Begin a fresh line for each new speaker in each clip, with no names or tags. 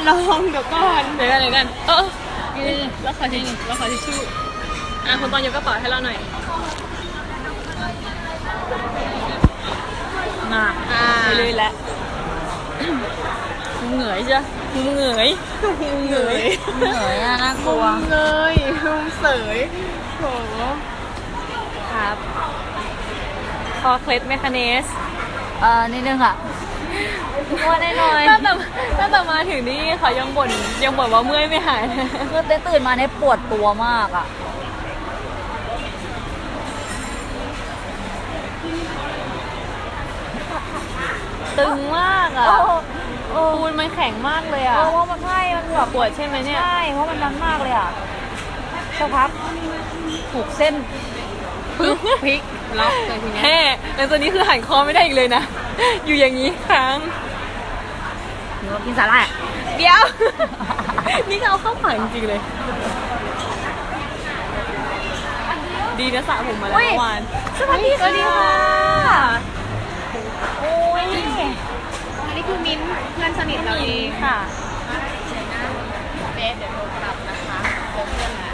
ลองเดี๋ยวก่อน
เดี๋ยวกันแล้วขอทิชชู่คุณตอนยกกระเป๋าให้เราหน่อยไปเลยแหละเหนื่อยใช่เหนื่อยน่ากลัว
เงยเสยโห
ครับคอเคล็ดไหมคะเนส
นิดนึงค่ะว่าแน่นอน
ตั้งแต่มาถึงนี่เขายังบ่นว่าเมื่อยไม่หาย
คือตื่นมาเนี่ยปวดตัวมากอ่ะ
ตึงมากอ่ะปูนมันแข็งมากเลยอ่ะ
เพราะมันใช่มันแบบ
ปวดใช่ไหมเนี่ย
ใช่เพราะมันดันมากเลยอ่ะสักพักผูกเส้น
พลิกล็อกเลยทีนี้แล้วตอนนี้คือหันคอไม่ได้อีกเลยนะอยู่อย่างนี้ค้าง
หนูกินสาหร่าย
เดี๋ยวนี่เขาเข้าปากจริงๆเลยดีนะสระผมมาแล้วเมื่อวาน
สวัสดีค่ะโอ้ย
อันนี้คือมิ้นเพื่อนสนิทเราเอง
ค่ะ
เบสเดี๋ยวโทรกลับนะคะเพื่อนนะ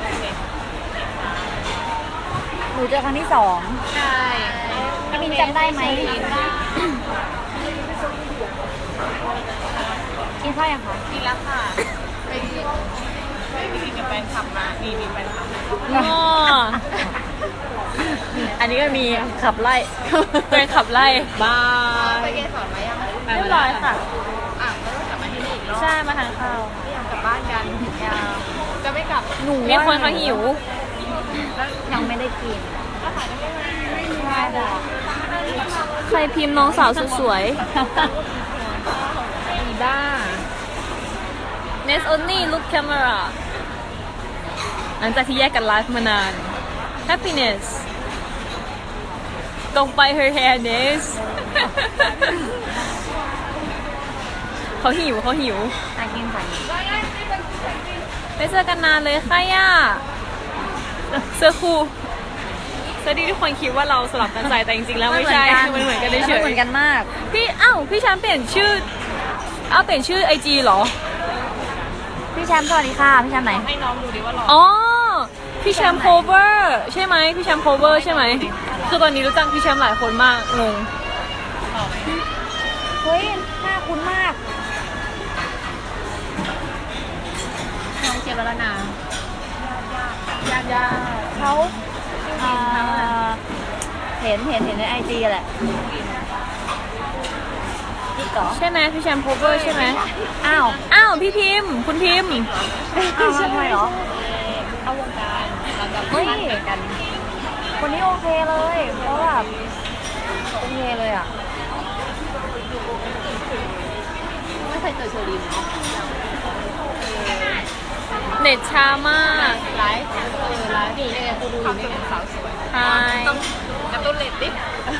หนูเจอครั้งที่2
ใช่
พี่มินจำได้ไหมกินข้าวยังคะ
กินแล้วค่ะไปมีกับแฟนคลับมามีแฟนคลับ
อันนี้ก็มีขับไล่เป็นขับไล่บ้า
ไปเกสรมายัง
เรียบร้อยค่ะ
ก็ต้องกลับมาที่นี่อีกรอบ
ใช่มาทานข้าว
ไม่อยากกลับบ้านกันจะไม่กลับ
หนูมีคนเขาหิว
ยังไม่ได้กิน
ใครพิมพ์น้องสาวสวยอีบ้า Nest only look camera หลังจากที่แยกกันไลฟ์มานาน Happiness ตรงไป her hair Nest เขาหิว
กินใส่
ไม่เจอกันนานเลยค่ะย่าเสื้อคู่ดีทุกคนคิดว่าเราสลับกันใส่แต่จริงๆแล้วไม่ใช่มันเหมือนกันเฉย
เหมือนกันมาก
พี่แชมป์เปลี่ยนชื่อไอจีเหรอ
พี่แชมป์สวัสดีค่ะพี่แชมป์ไหน
ให้น้องดูดิว่าหล่อ
พี่แชมป์โคเวอร์ใช่ไหมพี่แชมป์โคเวอร์ใช่ไหมคือตอนนี้รู้จักพี่แชมป์หลายคนมากงง
เฮ้ยหน้าคุ้นมาก
น้องเชียร์บาลนายาก
เขาเห็นในไอจีแหละ
ใช่ไหมพี่แชมป์โคเวอร์ใช่ไหม
อ้
าวพี่พิมพ์คุณพิมพ์
ทำไมเหรอ
เข้าวงการเราจะ
เฮ้ยกันคนนี้โอเคเลยเพราะแบบโอเคเลยอ่ะ
ไม่เคยเจอเชอรีน
เน็ตช้ามาก
ไลฟ์ดีเลยกูดูนี่สาวสวยต้องกระตุ้นเรตติ้ง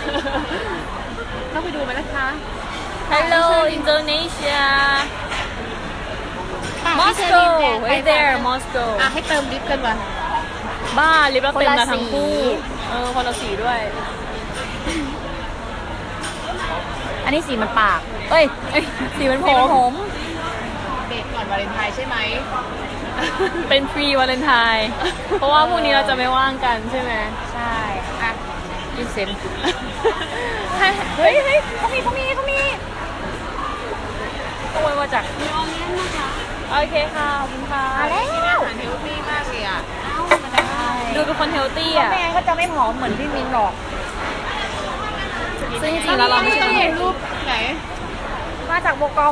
ต้องไปดูไหมนะคะ
Hello Indonesia Moscow right there Moscow
ให้เติมลิปกันวะ
บ้าลิปเราเต็มแล้วทั้งคู่คนละสีด้วย
อันนี้สีมันปากสีมันผม
เดทก่อนวาเลนไทน์ใช่ไหม
เป็นฟรีวาเลนไทน์เพราะว่าพรุ่งนี้เราจะไม่ว่างกันใช่ไหม
ใช่
กินเซม
เฮ้ยเขามีตัวมาจาก
โอเคค่ะขอบคุณค่ะ
แล้ว
อาหารเฮลตี้มากเลยอ่ะ
ดูเป็นคนเฮลตี้อ่ะ
ไม่งั้นก็จะไม่ผอมเหมือนพี่มินหรอก
ซึ่งจริงๆแล้วเราไม่ใช่
เห็นรูปไหน
มาจากโบกอม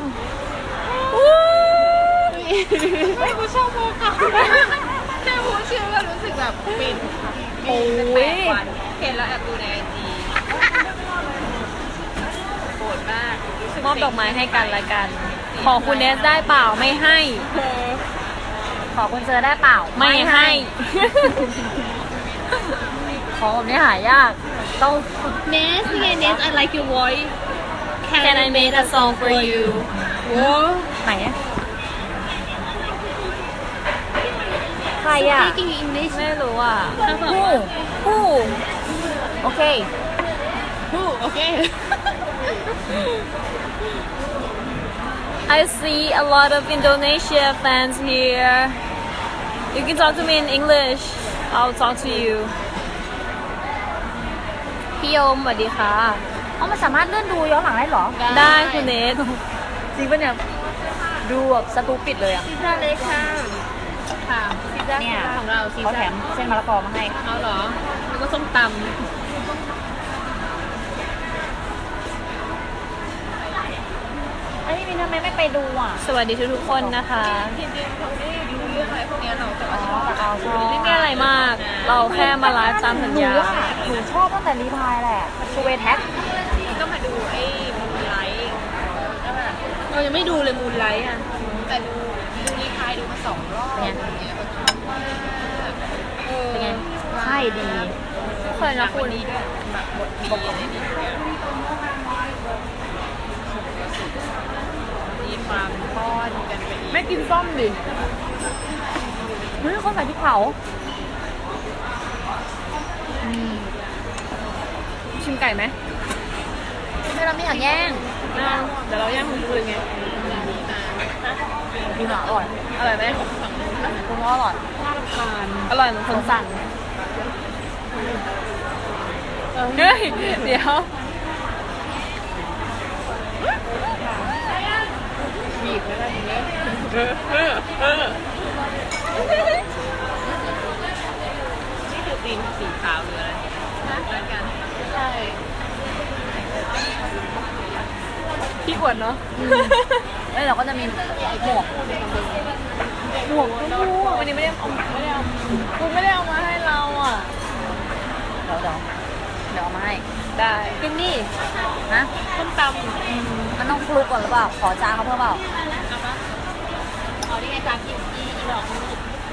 ไม่กูชอบโบกอมแค่พูดชื่อก็รู้สึกแบบฟิน8 วันเห็นแล้วแอบดูในไอจีโกรธมาก
มอบดอกไม้ให้กันละกันขอคุณเนสได้เปล่าไม่ให้
ขอคุณเจอได้เปล่า
ไม่ให้
ของแบบนี้หายากต้อง
Ness นี่ไง Ness I like your voice
Can I make a song for you
ไหนใครอ่ะ
Speaking English
ไม่รู้อ่ะ
ผู้โอเค
โอเค
I see a lot of Indonesia fans here. You can talk to me in English. I'll talk to you. พี่โยมสวัสดีค่ะ
เอามันสามารถเลื่อนดูย้อนหลังได้เหรอ
ได้คุณเนท
จริงปะเนี่ย ดูแบบสตูปิดเลยอ่ะ
พิซซ่าเล็กค่ะ ค่ะพิซซ่า
เนี่ย
ของเราพิซ
เขาแถ
ซ่าม
เส้นมะละกอมาให้
เอาเหรอแล้วก็ส้มตำ
ไอ้ยมินทำไมไม่ไปดูอ่ะ
สวัสดีทุกๆคนนะคะ
จริงๆเขาไม่ได้ดูเรื่องอะไรพวกเนี้ยเราแต่
อ๋
ว่า
อแต่เอาชอบ
ไม่มีอะไรมาก เราแค่มาไลฟ์ตามสัญ
หนู
ญา
อะหนูชอบตั้งแต่รีพายแหละชูเวแท็ก
ก็มาดูไอ้มูนไลท์เรายังไม่ดูเลยมูนไลท์อ่ะแต่ดูรีพายดูมา2 รอบเนี่ยเราชอบมาก
เป็นไง ใช่ดี
เคยนะคุณ
ดีด้วยแบบบทดีอะไรดีด้วยมีความป้อนกันไปอีก
ไม่กินส้มดิ
เฮ้ยคนใส่พริกเผา
ชิมไก่ไหม
ไม่เราไม่อยากแย่ง
เอาเดี๋ยวเราย่างคุณดูเลยไง
ดีหรออร่อย
อร่อยไหม
คุณว่าอร่อย
น่ารำคาญ
อร่อยเหมือนคนสั่งเฮ้ย เดี๋ยว
บีบแล้วทีนี้นี่คือตีนสีขาวหรืออะไรนะแล้วกันใช่
พี่อวดเนาะ
แล้วเราก็จะมีหมวก
หมวกชมพูวันนี้ไม่ได้เอาคุณไม่ได้เอามาให้เราอ่ะ
เดี๋ยวเอามาให้
ได้
กินนี่
นะ
ส้มตำ
มันต้องคลุกก่อนหรือเปล่า ขอจานเขาเพิ่มเปล่า
เอาปะเอาที่ไงจานที่อีหลอกนี่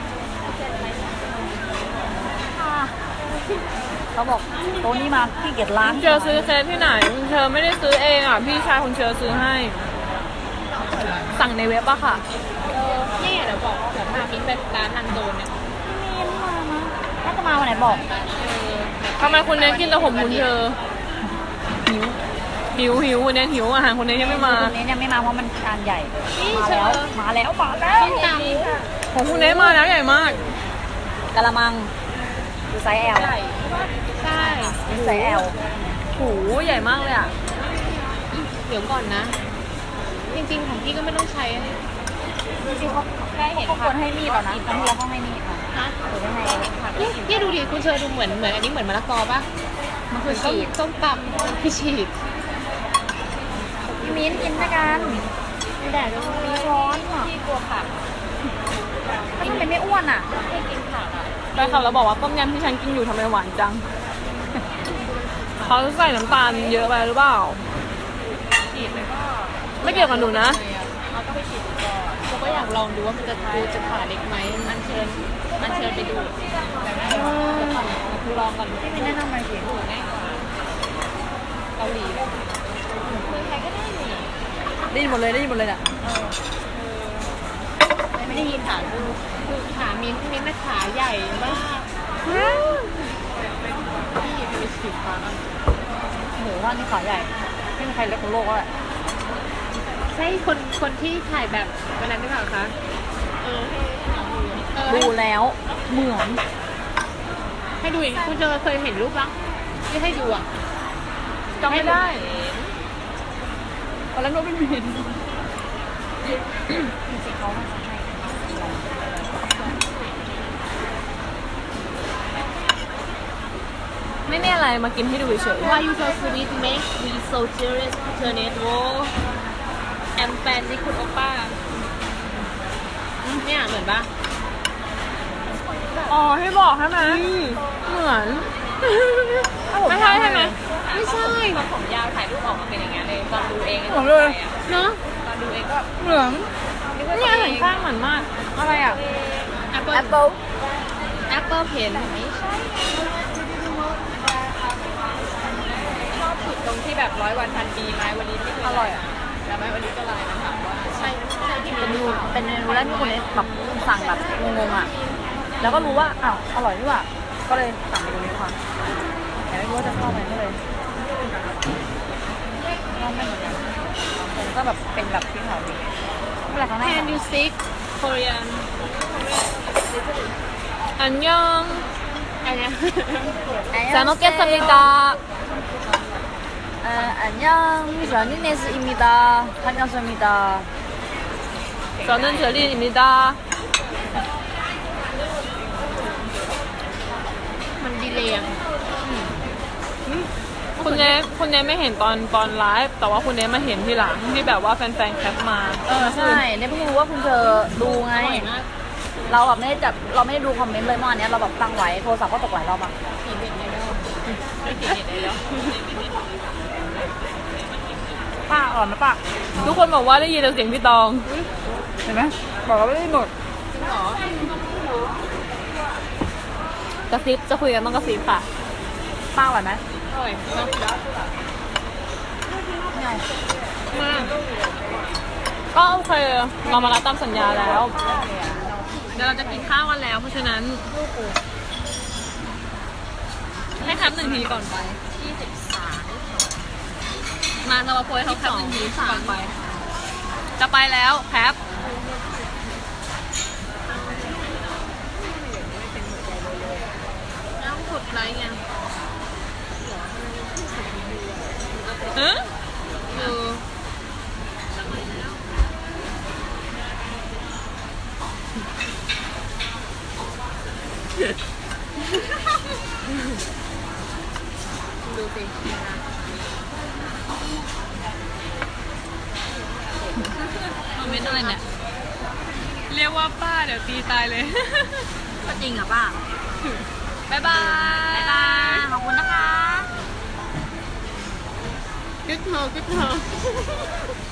เขาบอกโต๊ะนี้มาขี้เกียจล้าง
คุณเชอซื้อเค้กที่ไหนคุณเชอไม่ได้ซื้อเองอ่ะ พี่ชายคุณเชอซื้อให้ สั่งในเว็บอะค่ะ
นี่เดี๋ยวบอกเดี๋ยวพามิ้นไปร้านนันโดนเนี่ย
น่าจะมาวันไหนบอก
ทำไมคุณเนทกินแต่ผมคุณเชอหิวคุณเนทหิวอาหารคุณเนทยังไม่มา
คนนี้ยังไม่มาเพราะมันจานใหญ่
นี่
มา
เช
แล้ว
อ
มาแล้ว
ส้มตำค่ะ
ของคุณเนทมาแล้วใหญ่มาก
กะละมังดูไซส์ L
ใช่ใช่
ดูไซส์ L
โหใหญ่มากเลยอ่ะ
เดี๋ยวก่อนนะ จริงๆของพี่ก็ไม่ต้องใช้
จริงๆเขา
แค่เห็น
เขาควรให้มีดแล้วนะครั้งที่แล้วเขาให้มีดมา
ฮะ
หรือไม่ให้
พี่ดูดิคุณเชอดูเหมือนอันนี้เหมือนมะละกอปะ
มันคือ
ส้ม
ฉีด
ส้มตำพี่ฉีด
พี่มิ้นกินด้วยกัน
ไม่ได้ด้วย
มีช้อนอ่ะ
พี่กลัวผัก
ถ้าทำเป็นไม่อ้วนอ่ะ
พี่กินผักอ่ะ
แฟนคลับเราบอกว่าต้มยำที่ฉันกินอยู่ทำไมหวานจัง เขาใส่น้ำตาลเยอะไปหรือเปล่า
ฉีดแล้วก็
ไม่เกี่ยวกับหนูนะ
เราต้องไปฉีดดูก่อนเขาก็อยากลองดูว่ามันจะขาเล็กไหมอันเชิญไปดูลองก่อน
พี่มิ้นแนะนำมาสิ
ดูง่ายกว่าเกาหลีแบบเมืองไทยก็ได้นี่
ได้ยินหมดเลยเนี่ย
ไม่ได้ยินขาดูคือขามิ้นท์นะขาใหญ่มากพี่ไปฉีดขาบ้าง
หมูว่านี่ขาใหญ่ไม่มีใครเล็กของโลกแล้วแหละ
ใช่คนที่ถ่ายแบบวันนั้นหรือเปล่าคะ
ดูแล้วเหมือน
ให้ดูอีกคุณเจอเคยเห็นรูปบ้างที่ให้ดูอ่ะ
จำไม่ได้ตอนแรกนึกว่าเป็นมิน
จริงๆเขาน่าจะให้
ไม่มีอะไรมากินให้ดูเฉย
Why you so sweet make me so serious tornado and fan นี่คุณโอป้าเนี่ยเหมือนปะ
อ๋อให้บอกใช่ไหมเหมือน ไม่ใช่ใช่ไหม
ไม่ใช่ตอนผมยาวถ่ายรูปออกมาเป็นอย่างเงี้ยเลยตอนดูเอง
เหมือนเลย
เนาะตอนดูเองก็
เหมือน
นึกว่า
เนี่ยหันข้างเหมือนมาก อะไรอ่ะ
Apple
Apple
Apple Pen ไม่ใช่ชอบสุดตรงที่แบบ100 วันพันปีไหมวันนี้ไม่เคย
อร่อยอ่ะ
แล้วไหมวันนี้ก็ไลน์มาถามว่าใช่ที่
เป็น
มี
เมนูเป็นเมนูแรกที่คนนี้แบบสั่งแบบงงๆอ่ะ แล้วก็รู้ว่าอ้าวอร่อยนี่หว่าก็เลยสั่งเมนูนี้มาแต่ไม่รู้ว่าจะชอบไหมก็เลยชอบไม่เหมือนกันแต่ก็แบบเป็นแบบที่เขาดีเวลาเขาให้
Can you speak Korean
อันยอง
อันเนี้ย
잘 먹겠습니다.
안녕, 러닝네스입니다. 반갑습니다.
저는 절린입니다.
มันดีเลยอ่ะ
คุณเนไม่เห็นตอนไลฟ์แต่ว่าคุณเนมาเห็นทีหลังที่แบบว่าแฟนๆแคปมา
ใช่เนี่ยเพิ่งรู้ว่าคุณเธอดูไง
อร่อยมาก
เราแบบไม่ได้จับเราไม่ได้ดูคอมเมนต์เลยเมื่อวานเนี้ยเราแบบตั้งไว้โทรศัพท์ก็ตกหลายรอบอ่ะ
เห็นเด็กไอดอลไม่เห็นเด็กไอดอล
ป้าอ่อนนะป้า
ทุกคนบอกว่าได้ยินแต่เสียงพี่ตอง
เห็นไหมบอกว่าไม่ได้หมด
จริงเหรอก
ระซิบจะคุยกันต้องกระซิบค่ะ
ป้าอร่อยไหม
อร่อยมาก
ไม่เอา
มาก
ก็โอเคเรามารับตามสัญญาแล้วเดี๋ยวเราจะกินข้าวกันแล้ว เพราะฉะนั้นให้แคป1 ทีก่อนไป มาเรามาโพยเขาแคป1 ทีก่อนไป จะไปแล้วแคป
แล้วกดไลค์ไง
เอ๊ะ
ดูสิ
คอมเมนต์อะไรเนี่ย เรียกว่าป้าเดี๋ยวตีตายเลย
ก็จริงอ่ะป้า
บ๊ายบาย
บ๊ายบาย ขอบคุณนะคะ
กึ๊กเธอกึ๊กเธอ